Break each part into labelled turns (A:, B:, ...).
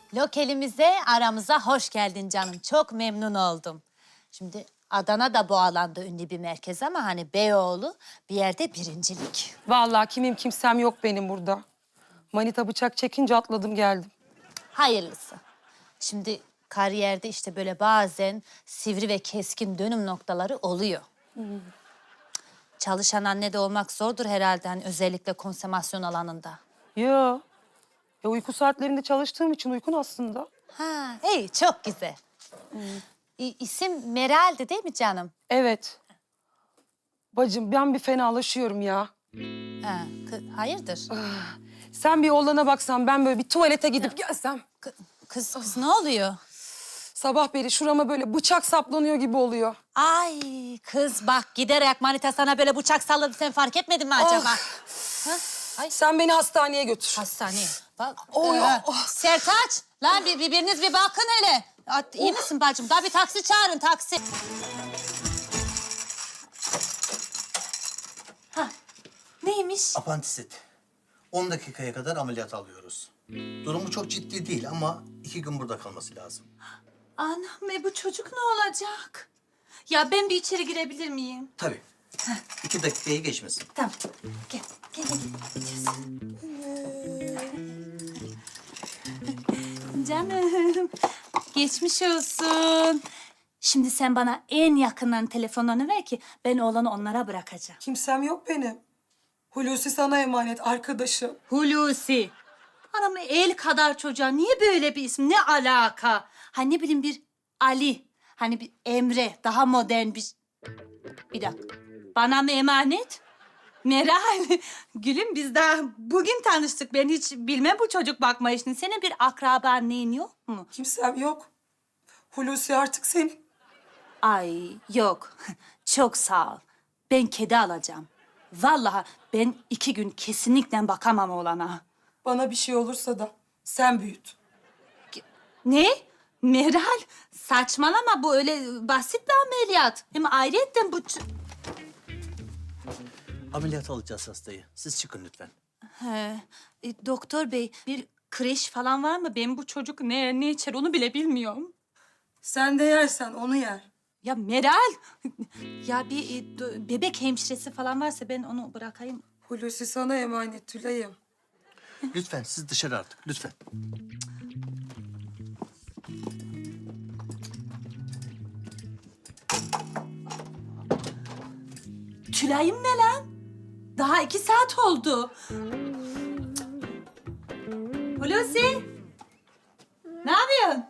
A: Lokelimize, aramıza hoş geldin canım. Çok memnun oldum. Şimdi Adana da bu alanda ünlü bir merkez ama hani Beyoğlu bir yerde birincilik.
B: Vallahi kimsem yok benim burada. Manita bıçak çekince atladım geldim.
A: Hayırlısı. Şimdi kariyerde işte böyle bazen sivri ve keskin dönüm noktaları oluyor. Çalışan anne de olmak zordur herhalde hani özellikle konsomasyon alanında.
B: Ya uyku saatlerinde çalıştığım için uykun aslında.
A: Ha, iyi çok güzel. İsim Meral'di değil mi canım?
B: Evet. Bacım ben bir fenalaşıyorum ya.
A: Ha, hayırdır?
B: Sen bir oğlana baksan ben böyle bir tuvalete gidip gelsem.
A: Kız ne oluyor?
B: Sabah beri şurama böyle bıçak saplanıyor gibi oluyor.
A: Ay kız bak giderek manita sana böyle bıçak salladı sen fark etmedin mi acaba? Ha? Ay
B: Sen beni hastaneye götür.
A: hastaneye. Bak.
B: Oy,
A: Sertaç lan biriniz bir bakın hele. İyi misin bacım? Daha bir taksi çağırın taksi. Ha neymiş?
C: Apandisit. 10 dakikaya kadar ameliyat alıyoruz. Durumu çok ciddi değil ama 2 gün burada kalması lazım.
A: Anam bu çocuk ne olacak? Ya ben bir içeri girebilir miyim?
C: Tabii. 2 dakikayı geçmesin.
A: Tamam. Gel. Canım, geçmiş olsun. Şimdi sen bana en yakından telefonlarını ver ki ben oğlanı onlara bırakacağım.
B: Kimsem yok benim. Hulusi sana emanet arkadaşım.
A: Hulusi. Anam el kadar çocuğa niye böyle bir isim? Ne alaka? Hani ne bileyim bir Ali, hani bir Emre, daha modern bir... Bir dakika. Bana mı emanet? Meral, gülüm biz daha bugün tanıştık. Ben hiç bilmem bu çocuk bakma işini. Senin bir akraban neyin yok mu?
B: Kimsem yok. Hulusi artık senin.
A: Ay yok. Çok sağ ol. Ben kedi alacağım. Vallahi ben 2 gün kesinlikle bakamam oğlana.
B: Bana bir şey olursa da sen büyüt.
A: Ne? Meral, saçmalama bu öyle basit bir ameliyat. Hem ayrıyetten bu...
C: Ameliyat alacağız hastayı. Siz çıkın lütfen.
A: Doktor bey bir kreş falan var mı? Ben bu çocuk ne içer onu bile bilmiyorum.
B: Sen de yersen onu yer.
A: Ya Meral, ya bir bebek hemşiresi falan varsa ben onu bırakayım.
B: Hulusi sana emanet Tülay'ım.
C: Lütfen siz dışarı artık. Lütfen.
A: Tülay'ım ne lan? Daha 2 saat oldu. Hulusi, ne yapıyorsun?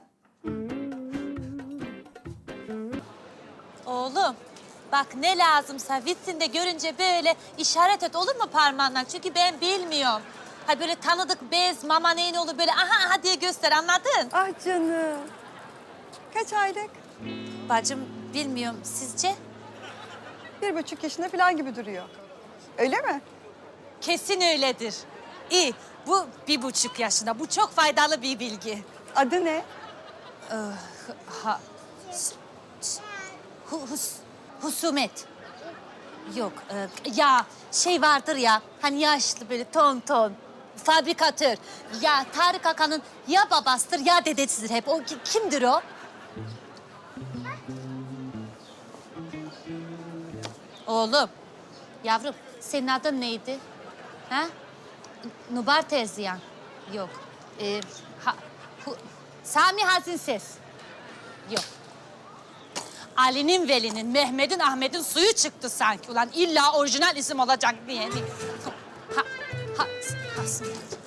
A: Oğlum, bak ne lazımsa vitrinde görünce böyle işaret et olur mu parmağınla? Çünkü ben bilmiyorum. Ha böyle tanıdık bez, mama neyin olur böyle aha diye göster anladın?
D: Ah canım. Kaç aylık?
A: Bacım bilmiyorum sizce?
D: 1,5 yaşında falan gibi duruyor. Öyle mi?
A: Kesin öyledir. İyi, bu 1,5 yaşında. Bu çok faydalı bir bilgi.
D: Adı ne?
A: Husumet. Yok, ya şey vardır ya, hani yaşlı böyle ton, fabrikatör. Ya Tarık Akan'ın ya babasıdır ya dedesidir hep. O kimdir o? Oğlum, yavrum senin adın neydi? Ha? Nubar Terziyan. Yok. Sami Hazinses. Yok. Ali'nin, Veli'nin, Mehmet'in, Ahmet'in suyu çıktı sanki. Ulan illa orijinal isim olacak diye. Hasım.